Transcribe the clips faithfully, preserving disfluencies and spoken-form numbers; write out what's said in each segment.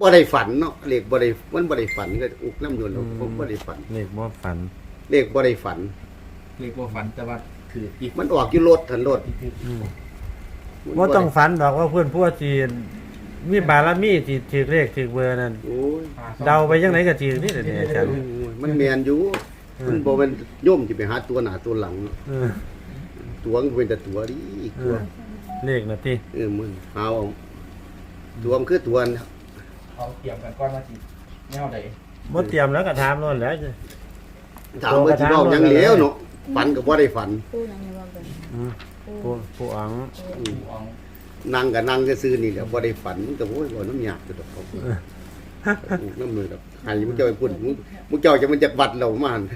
บ่ได้ฝันเนาะเลขบ่ได้มันบ่ได้ฝันก็อุกน้ำยนต์ผมบ่ได้ฝันเลขบ่ฝันเลขบ่ได้ฝันเรียกว่าฝันแต่ว่าคืออีกมันออกอยู่รถทันรถอืมบ่ต้องฝันดอกว่าเพื่อนพวกที่มีบารมีที่ถือเลขถือเบอร์นั่นโอ้ยเดาไปจังไดก็ถือนี่แหละเนี่ยอาจารย์มันแม่นอยู่มันบ่แม่นโยมสิไปหาตัวหน้าตัวหลังเนาะเออตัวมันเป็นแต่ตัวดิเอตัวอเลขน่ะติเออมึงเอาตัวมันคือตัวนะเขาเตรียมกันก้อนมาจีแนวใดบ่เตรียมแล้วก็ถามโน่นแหล้วถามว่าสิเว้าหยังเหลวเนาะฝันก็บ่ได้ฝันปูนังในว่ากันอืมผู้ผู้อังอืมเอานั่งก็นั่งซื่อๆนี่แหละบ่ได้ฝันมันก็โอ้ยบ่น้ำยากคือดอกเขาอุกน้ำมือดอกให้มึงเจ้าไปพุ่นมึงมึงเจ้าจะมันจักวัดเรามาหั่น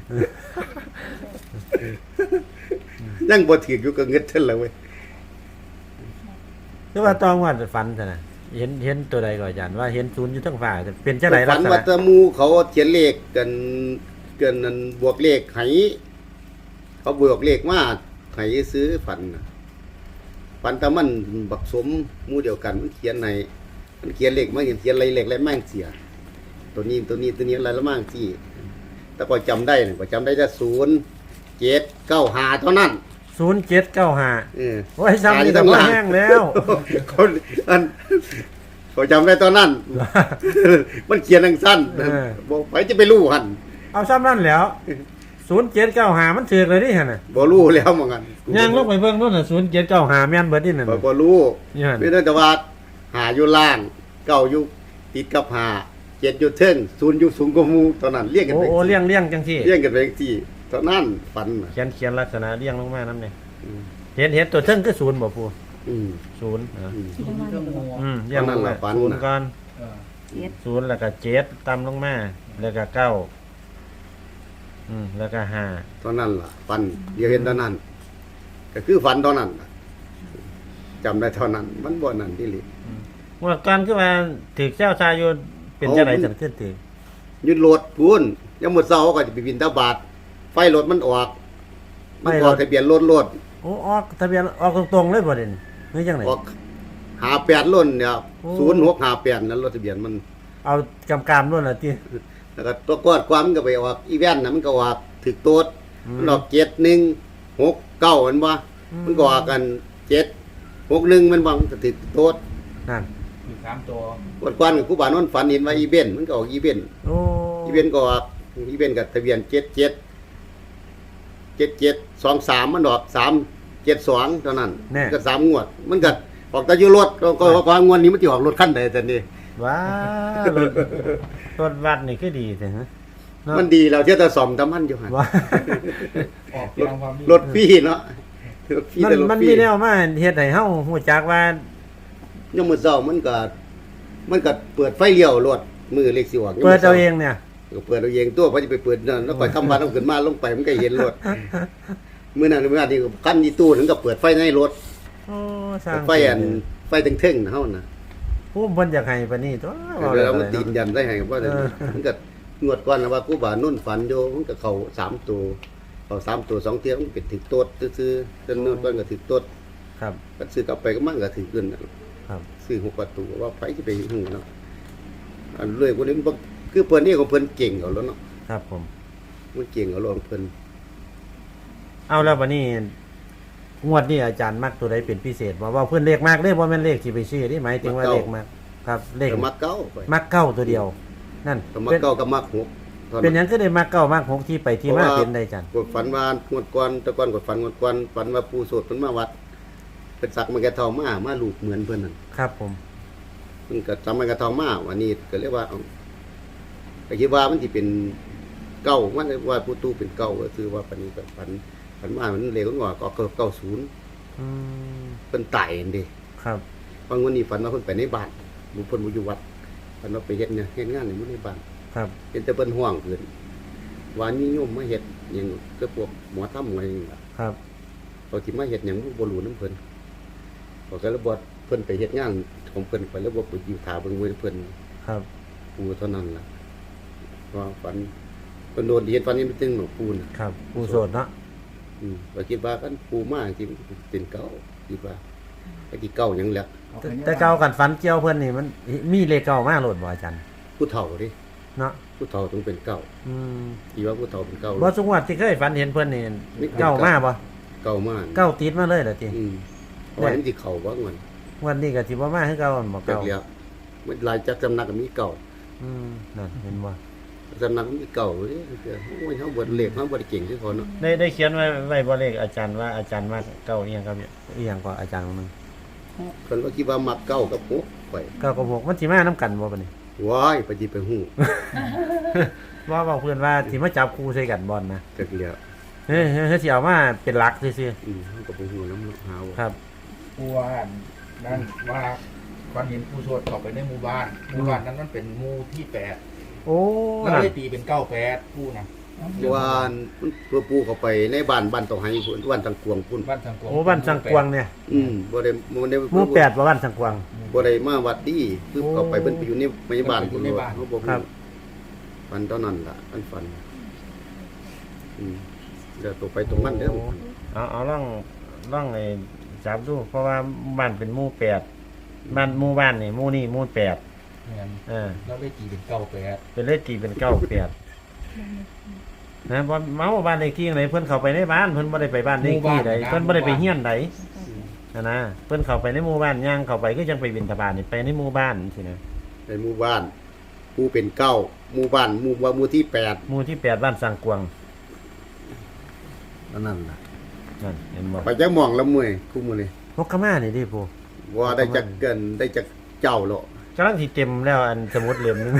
ยังบ่ถืออยู่ก็เงิดเท่าแล้วเว้ยคือว่าตองว่าฝันซั่นน่ะเห็นเห็นตัวใดก่อนอาจารย์ว่าเห็นศูนย์อยู่ทั้งฟ้าแต่เป็นจังไดลัฝักนษว่าณะแตะมูเขาเขียนเลขกันเกินนั้นบวกเลขให้เขาบวกเลขมาให้ซื้อฝันน่ะฝันแต่มันบักสมหมู่เดียวกันมันเขียนในมันเขียนเลขมาเขียนอะไรเลขอะไรแม่งเสีย ตัวนี้ตัวนี้ตัวนี้อะไรละมั่งที่แต่ก็จำได้เนี่ยก็จำได้แต่ศูนย์เจ็ดเก้าหาเท่านั้นศูนย์เจ็ดเก้าห้าเออโอ้ยซ้ำนี่ต้องแห้งแล้วคนอันเขาจำได้ตอนนั้น มันเขียนทังสั้นเออบอกไปจะไปรู้หันเอาซ้ำนั่นแหล้วศูนย์เจ็ดเก้าห้ามันถือกเลยนี่หั่นน่ะบ่รู้แล้วเหมือนกันย่างลงไปเบิ่งโน่นน่ะศูนย์เจ็ดเก้าห้าแม่นเบิดนี่นั่นบ่น่ะบ่รู้นี่หั่นไม่ได้แต่ว่าหาอยู่ล่างเก้าอยู่ติดกับหาเจ็ดอยู่เทิงศูนย์อยู่สูงกว่าหมู่ตอนนั้นเรียกกันโอ้ไปโอ้เลี้ยงเลี้ยงจังซี่เรียกกันไปที่ตอนนั้นฝันน่ะเขียนเขียนลักษณะเลี้ยงลงมานํเนี่ยอืมเห็นเห็นตัวเทิงคือศูนย์บ่ปู่อืมศูนย์เหรออืมศูนย์เครื่องงูอืมเลี้ยงลงมาฝันศูนน่ะย์ก่อนเออเจ็ดศูนย์แล้วก็เจ็ดต่ำลงมาแล้วก็เก้าอืมแล้วก็ห้าตอนนั้นล่ะฝันเดียวเห็นตอนนั้น ก็คือฝันตอนนั้นน่ะจำได้เท่านั้น มันบ่นั่นที่ลิว่าก่อนคือว่าถือเจ้าชายอยู่เป็นจังไดจังขึ้นถือยึดรถพูนยังหมดเสาก็จะไปบินทบาทไฟรถมันออกมันออกทะเบียนรถรถโอ้ออกทะเบียนออกตรงๆเลยบ่เด่นนี่จังไดออกหาแปดล้นเนี่ยโอ้ศูนย์หกหาแปดนั้นรถทะเบียนมันเอากำกามนู่นน่ะติแล้วก็ตัวกอดความมันก็ไปออกอีแว่นนะมันก็ออกถึกโต๊ดอืมมันออกเจ็ดหนึ่งหกเก้ามันบ่อืมมันก็ออกกันเจ็ดหกหนึ่งมันบ่มันก็ถึกโต๊ดนั่นอยู่สามตัวกอดความกับผู้บ่าวนอนฝันเห็นว่าอีเบนมันก็ออกอีเบนโอ้อีเบนก็ออกอีเบนกับทะเบียนเจ็ดเจ็ดเจ็ดเจ็ดสองสามมันออกสามเจ็ดสองเท่านั้นแน่ก็สามงวด มันก็ออกแต่อยู่รถก็ก็ความงวดนี้มันจะออกรถคันใดแต่นี่ว้ารถรถวัดนี่คือดีแต่ฮะเนาะมันดีเราเที่ยวแต่ซ่อมทำมันอยู่หั่นว่าออกรถตามความรถฟรีเนาะรถฟรีมันแต่รถมันฟรีมีแนวมาเฮ็ดให้เฮาฮู้จักว่ายังมื้อเช้ามันก็มันก็เปิดไฟเลี้ยวรถมือเล็กสิออกเปิดเอาเองเนี่ยก็เปิดเอาเองตัวเพราะจะไปเปิดนั่นแล้วก็ทำบ้านต้องขึ้นมาลงไปมันก็เห็นรถมื้อนั้นมื้อนั้นที่คันที่ตู้ถึงก็เปิดไฟในรถโอ้สร้างไฟอันไฟเทิงๆนะเฮาน่ะผู้เพิ่นอยากให้ปานนี้ตัวเดี๋ยวเรามันตีนยันได้ให้ว่าเออมันก็งวดก่อนนะว่ากูบานุ่นฝันโยมันก็เข้าสามตัวเข้าสามตัวสองเที่ยมันเป็นถึกโต๊ดซื่อๆจนนู้นก่อนก็ถึกโต๊ดครับก็ซื้อกลับไปก็มันก็ถึกขึ้นน่ะครับซื้อหกประตูว่าไปสิไปหูเนาะอันเลยพวกนี้มันบ่คือเพิ่นนี่ของเพิ่นเก่งเอาแล้วเนาะครับผมมันเก่งเอาแล้วของเพิ่นเอาแล้วบัดนี้งวดนี้อาจารย์มักตัวใดเป็นพิเศษบ่ว่าเพิ่นเลขมากเด้บ่แม่นเลขที่ไปซื้อนี่หมายถึงว่าเลขมากครับ เลขก็มักเก้าไปมักเก้าตัวเดียว นั่นก็มักเป็นเก้าก็มักหกเท่าเป็นหนั้นยังคือได้มักเก้ามักหกที่ไปที่มาเป็นได้อาจารย์กดฝันว่างวดก่อนแต่ก่อนกดฝันงวดก่อนฝันว่าปู่โสดเพิ่นมาวัดเพิ่นสักมันกระทองมามาลูกเหมือนเพิ่นนั่นครับผมมันก็จำมันกระทองมาวันนี้ก็เรียกว่าเอาก็คิดว่ามันสิเป็นเก้ามันว่าผู้ตู้เป็นเก้าก็คือว่าปานนี้ก็ฝันฝันว่ามันเร็วกว่าก็เกิดเก้าศูนย์อืมเพิ่นตายนั่นเด้ครับบางวันนี้ฝันว่าเพิ่นไปในบ้านบุเพิ่นบ่อยู่วัดฝันว่าไปเฮ็ดเนี่ยเฮ็ดงานอยู่ในบ้านครับเห็นแต่เพิ่นห่วงเพิ่นว่ามีโยมมาเฮ็ดหยังก็พวกหมอทำอะไรนี่ล่ะครับเขาสิมาเฮ็ดหยังบ่รู้นำเพิ่นเขาก็เลยบ่เพิ่นไปเฮ็ดงานของเพิ่นไปแล้วบ่ไปอยู่ท่าเบิ่งมือเพิ่นครับปูเท่านั้นล่ะว่าฝันเพิ่นโดนเฮ็ดฝันนี้มันตึงหนอปูน่ะครับผู้โสดเนาะอืมก็คิดว่าคันปูมาจริงเป็นเก่าคิดว่าไอ้ที่เก่าหยังแหละคเอาแต่ไปเนี่ยแต่เก่ากันฝันเกี่ยวเพิ่นนี่มันมีเลขเก่ามาโหลดบ่อาจารย์ผู้เฒ่าดิเนาะผู้เฒ่าต้องเป็นเก่าอืมที่ว่าผู้เฒ่าเป็นเก่าบ่สงวดที่เคยฝันเห็นเพิ่นนี่เก่ามาบ่เก่ามากเก่าติดมาเลยเหรอติอืมเพราะว่ามันสิเข้าบ่มันวันนี้ก็สิบ่มาคือเก่าบ่จักเก่าแล้วมันหลายจักสำนักก็มีเก่าอืมนั่นเห็นบ่สำนักมันมีเก่าเด้โอ้ยเฮาบ่เลขเฮาบ่ได้เก่งคือเขาเนาะได้ได้เขียนไว้ไว้บ่เลขอาจารย์ว่าอาจารย์ว่าเก่าอีหยังครับอีหยังก็อาจารย์คนนึงเพิ่นว่าคิดว่ามักเก่ากับหกไปเก้ากับหกมันสิมานํกันบ่บัดนี้ว้ายไปสิไปฮู้ว่าบอกเพื่อนว่าสิมาจับคู่ใส่กันบอลนะจักแล้วเฮ้ยเฮ้ยเฮ้ยสิเอามาเป็นหลักซื่ออืมเฮาก็บ่ฮู้นำหาๆว่าครับผู้ว่านั่นว่าฝันเห็นผู้โสดเข้าไปในหมู่บ้านหมู่บ้านนั้นมันเป็นหมู่ที่แปดโอ้แล้วนั่นได้ตีเป็นเก้าแปดผู้นะว่ามันเพื่อปูเข้าไปในบ้านบ้านตองไห้พุ่นบ้านตังกวงพุ่นบ้านสังกวงโอ้บ้านสังกวางเนี่ยอืมบ่ได้บ่ได้หมู่แปดว่าบ้านสังกวางบ่ได้มาวัดดีคือโอ้เข้าไปเพิ่นไปอยู่ในในบ้านอยู่ในบ้านเฮาบ่ครัฮู้บฝันตอนนั้นล่ะอันฝันอืมเดี๋ยวตัวไปตรงมันเด้อเอาเอาล่องล่องไอ้จับดู เพราะว่าบ้านเป็นหมู่แปดบ้านหมู่บ้านนี่หมู่นี่หมู่แปดเนี่ยเออแล้วได้ตีเป็นเก้าแปดเป็นเลขตีเป็นเก้าแปดนะบ่เมาบ้านเลขที่ไหนเพิ่นเข้าไปในบ้านเพิ่นบ่ได้ไปบ้านเลขที่ใดเพิ่นบ่ได้ไปเฮียนใดนะนะเพิ่นเข้าไปในหมู่บ้านย่างเข้าไปก็ยังไปบิณฑบาตนี่ไปในหมู่บ้านสินะในหมู่บ้านผู้เป็นเก้าหมู่บ้านหมู่ว่าหมู่ที่แปดหมู่ที่แปดบ้านสังกวางอันนั้นล่ะนั่นเห็นบ่ไปจักหม่องละมื้อคุมื้อนี้นกขม่านี่ดิปูว่าได้จักเกินได้จักเจ้าแล้วกำลังสิเต็มแล้วอันสมุดเล่มนึง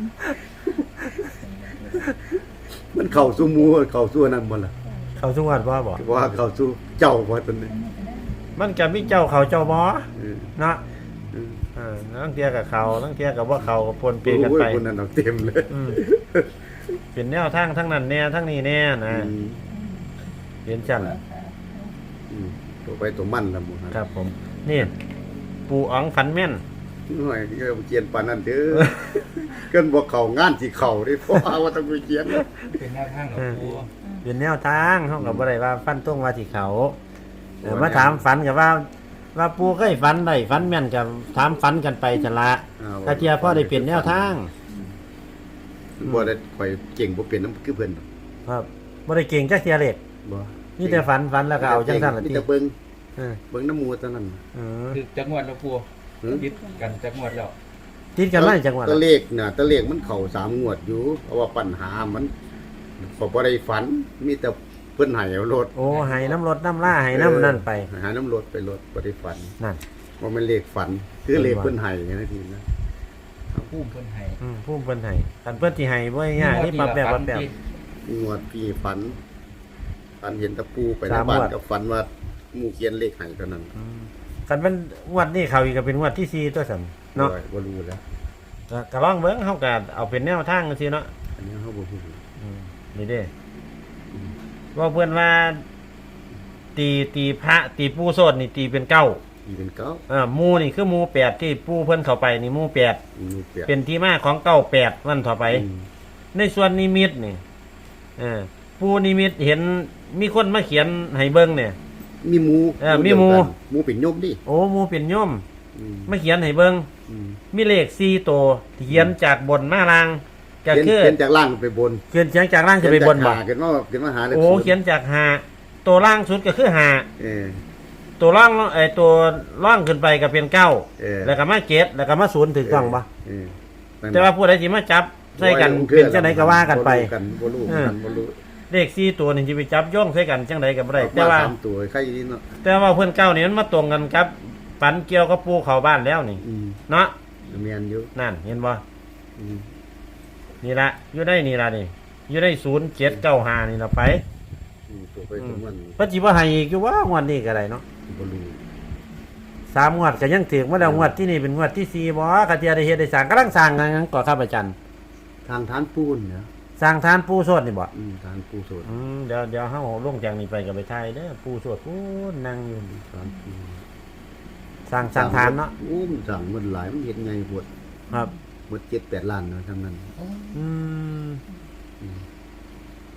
มันเข้าสู่หมู่เข้าสู่อันนั้นบ่ล่ะเขาทุกวันบ่บ่ว่าเข้าสู่เจ้าบ่ตอนนี้มันก็มีเจ้าเขาเจ้าบ่เออเนาะเออเออทั้งเที่ยกับเขาทั้งเที่ยกับบ่เขาก็ปนเปกันไปโอ้ยคนนั้นเอาเต็มเลยอืมเป็นแนวทางทั้งนั้นแน่ทั้งนี้แน่นะอืมเห็นจังอืมตัวไปตัวมันละหมู่ครับผม นี่ปู่อ๋องฝันแม่นหน่อยเออเขียนปานนั้นเด้อ เกินบ่เข้างานสิเข้าเด้เพราะว่าต้องไปเขียนเป็นหน้าทางของผู้เป็นแนวทางเฮาก็บ่ได้ว่าฟันตรงว่าสิเขาเออมาถามฝันก็ว่า ว่าปู่เคยฝันได้ฝันแม่นก็ถามฝันกันไปจังละอ้าวกะเทียพ่อได้เปลี่ยนแนวทางบ่ได้ข่อยเก่งบ่เป็นน้ำคือเพิ่นครับบ่ได้เก่งจักเทียเล็กบ่นี่แต่ฝันฝันแล้วก็เอาจังซั่นล่ะมีติแต่เบิ่งเออเบิ่งน้ำหมูเท่านั้นเออคือจักงวดแล้วผู้หือยึดกันจักงวดแล้วติดกันมาจังหวัดตัวเลขน่ะตัวเลขมันเข้าสามงวดอยู่เพราะว่าปัญหามันก็บ่ได้ฝันมีแต่เพิ่นให้เอารถโอ้ให้น้ำรถน้ำล่าให้น้ำนั่นไปหาน้ำรถไปรถบ่ได้ฝันนั่นบ่แม่นเลขฝัน คือเลขเพิ่นให้อย่างนั้นทีนะผู้เพิ่นให้อืมผู้เพิ่นให้คันเพิ่นที่ให้บ่ง่ายๆนี่ปรับแบบปรับแบบงวดพี่ฝันฝันเห็นตะปูไปในสามบ้านงวดก็ฝันว่าหมู่เขียนเลขให้เท่านั้นอืมคันเป็นงวดนี้เขาอีกก็เป็นงวดที่สี่ตัวซั่นเนาะบ่รู้แล้วก็ก็ลองเบิ่งเฮาก็เอาเป็นแนวทางจังซี่เนาะอันนี้เฮาบ่ฮู้อืมนี่เด้ว่าเพิ่นว่าตีตีพระตีปู่โสดนี่ตีเป็นเก้าอีเป็นเก้าอ่าหมู่นี่คือหมู่แปดที่ปู่เพิ่นเข้าไปนี่หมู่แปดหมู่เปียกเป็นที่มาของเก้าแปดวันต่อไปอืมในส่วนนิมิตนี่เออผู้นิมิตเห็นมีคนมาเขียนให้เบิ่งเนี่ยมีหมูเออมีหมู่เดียวกันหมูเป็นโยมดิโอ้หมู่เป็นโยมอืมมาเขียนให้เบิ่งอืมมีเลขสี่ตัวที่เขียนจากบนมาล่างก็เขียนคือเขียนจากล่างไปบนเขียนเขียนจากล่างจะไปบนบ่เขียนจากหาเขียนว่าเขียนว่าหาเลขโอ้ศูนย์เขียนจากหาตัวล่างสุดก็คือหาเออตัวล่างไอ้ตัวล่างขึ้นไปก็เป็นเก้าเออแล้วก็มาเจ็ดแล้วก็มาศูนย์ถูกต้องบ่เออนั่นแต่ว่าผู้ใดสิมาจับใส่กันบ่รู้เป็นจังไดก็ว่ากันไปบ่รู้กันบ่รู้เออกันบ่รู้เลขสี่ตัวนี่สิไปจับโย่งใส่กันจังไดก็บ่ได้ออกแต่มาว่าสามตัวใครนี่เนาะแต่ว่าเพื่อนเก้านี่มันมาตรงกันครับฝันเกี่ยวกับปูเขาบ้านแล้วนี่อืมเนาะเมียนอยู่นั่นเห็นบ่อืมนี่ละอยู่ได้นี่ละนี่อยู่ได้ศูนย์เจ็ดเก้าห้านี่ละไปอืมตัวไปตัวมันพระจิบ่ให้อีกอยู่ว่างวดนี้ก็ได้เนาะบ่รู้สามงวดก็ยังถึงมาแล้วงวดที่นี่เป็นงวดที่สี่บ่กะเทียได้เฮ็ดได้สร้างกำลังสร้างงานก่อครับอาจารย์ทางฐานปูนเนี่ยสร้างทานปูโสดนี่บ่อืมฐานปูโสดอืมเดี๋ยวเดี๋ยวเฮาลงจากนี้ไปก็ไปถ่ายเด้อปูโสดปูนั่งอยู่ฐานปูสร้างสร้างทานเนาะโอ้มันสั่งมันหลายมันเฮ็ดไงปวดครับหมดเจ็ดแปดล้านเนาะทั้งนั้นอืมอืมอ่ะ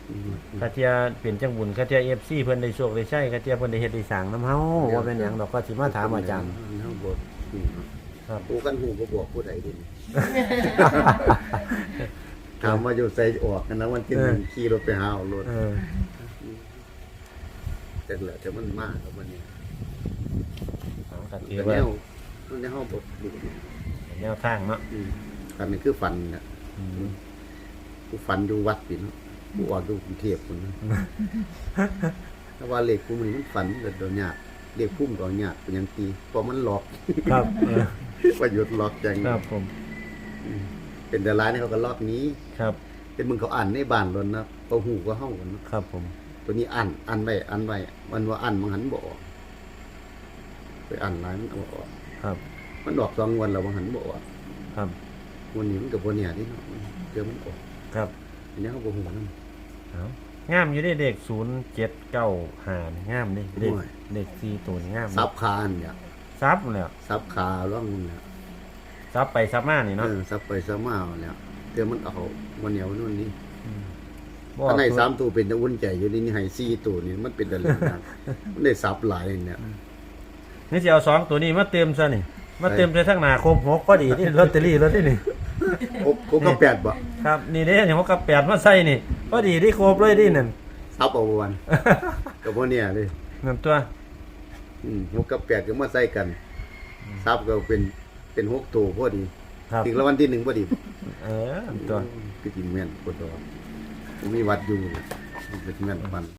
คาเทียเป็นจังบุญคาเทีย เอฟ ซี เพิ่นได้โชคได้ใช้คาเทียเพิ่นได้เฮ็ดได้สร้างนำเฮาว่าเป็นหยังดอกก็สิมาถามอาจารย์เฮาบ่ฮู้เนาะครับผู้กันฮู้บ่บอกผู้ใดเดิ ถามว่าอยู่ใส่ออกกันนะวันที่หนึ่งขี่รถไปหาเอารถเออแต่เหลือแต่มันมากครับวันนี้เอาก็ถืแต่อแนว่าวมันในห้องบทดูแนวทางเนาะอืมอันนี้คือฝันนะอืมผู้ฝันอยู่วัดปิเนาะผู้ออกอยู่กรุงเทพคนนะถ้าว่าเลขผู้มันมันฝันเกิดโดนยากเลขพุ่มก็ยากเป็นอยังตีเพราะมันหลอกครับเออประโยชน์หลอกจังครับผมเป็นแต่ร้ายนี่เขาก็ลอกนี้ครับเป็นมึงเขาอ่านในบ้านรถนะเขาหูก็เฮ้ากันเนาะครับผมตัวนี้อ่านอ่านไว้อ่านไว้มันว่าอ่านมันหันบ่ออกไปอ่านหลายมันเอาออกครับมันออกสองวันแล้วมันหันบ่ออกครับวันนี้มันกับวันเนี่ยนี่เนาะเดี๋ยวมันออกครับอันนี้เขาบ่หูนำเอางามอยู่เด้เด็กศูนย์เจ็ดเก้าห้านี่งามนี่เด็กโอ้ยเด็กสี่ตัวนี่งามซับคาอันเนี่ยซับแล้วซับขาร่องมันเนี่ยซับไปซับมานี่เอเนาะอซับไปซับมาเอาเนี่ยเดี๋ยวมันเอาวันเหนียวนู่นนี่บ่ถ้าในตัวสามตัวเป็นตะอุ่นใจอยู่นี่นี่ให้สี่ตัวนี่มันเป็นตะลึงนะมันได้ซับหลายเนี่ยนี่สิเอาสองตัวนี้มาเติมซะนี่มาเติมใส่ทั้งหน้าครบหกพอดีนี่ลอตเตอรี่รถนี่นี่ครบครบก็แปดบ่ครับนี่เด้นี่หกกับแปดมาใส่นี่พอดีที่ครบเลยดินั่นซับเอาวันกับพวกเนี่ยเลยนั่นตัวอืมหกกับแปดก็มาใส่กันซับก็เป็นเป็นหกตัวพอดีครับถึงรางวัลที่หนึ่งพอดีเออนั่นตัวคือกินแม่นปวดดอกมีวัดอยู่เป็นแม่นปัน